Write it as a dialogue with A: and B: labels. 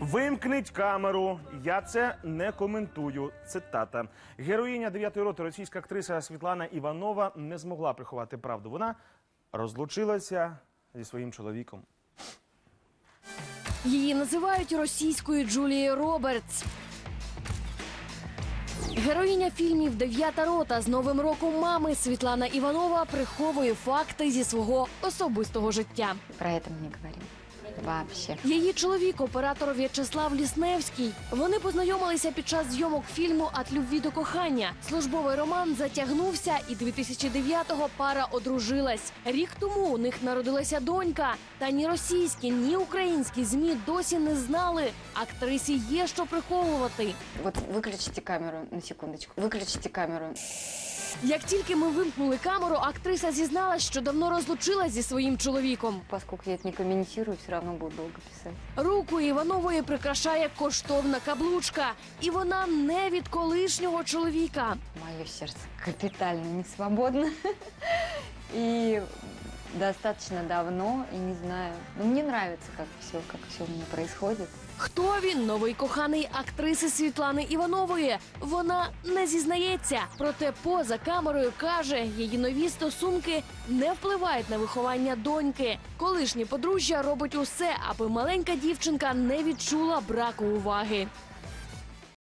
A: Вимкніть камеру, я це не коментую. Цитата. Героїня 9-ї роти, російська актриса Світлана Іванова, не змогла приховати правду. Вона розлучилася зі своїм чоловіком.
B: Її називають російською Джулією Робертс. Героїня фільмів «9-та рота» з Новим роком мами Світлана Іванова приховує факти зі свого особистого життя.
C: Про это мы не говорим. Вообще.
B: Її чоловік – оператор В'ячеслав Лісневський. Вони познайомилися під час зйомок фільму «От любві до кохання». Службовий роман затягнувся, і 2009-го пара одружилась. Рік тому у них народилася донька. Та ні російські, ні українські ЗМІ досі не знали. Актрисі є що приховувати.
C: Вот выключите камеру на секундочку. Выключите камеру.
B: Як тільки ми вимкнули камеру, актриса зізналась, що давно розлучилась зі своїм чоловіком.
C: Поскольку я это не комментирую, все равно буду долго писать.
B: Руку Іванової прикрашає коштовна каблучка. І вона не від колишнього чоловіка.
C: Мое сердце капитально не свободно. И достаточно давно, и не знаю. Но мне нравится, как все у меня происходит.
B: Хто він? Новий коханий актриси Світлани Іванової. Вона не зізнається. Проте поза камерою каже, її нові стосунки не впливають на виховання доньки. Колишнє подружжя робить усе, аби маленька дівчинка не відчула браку уваги.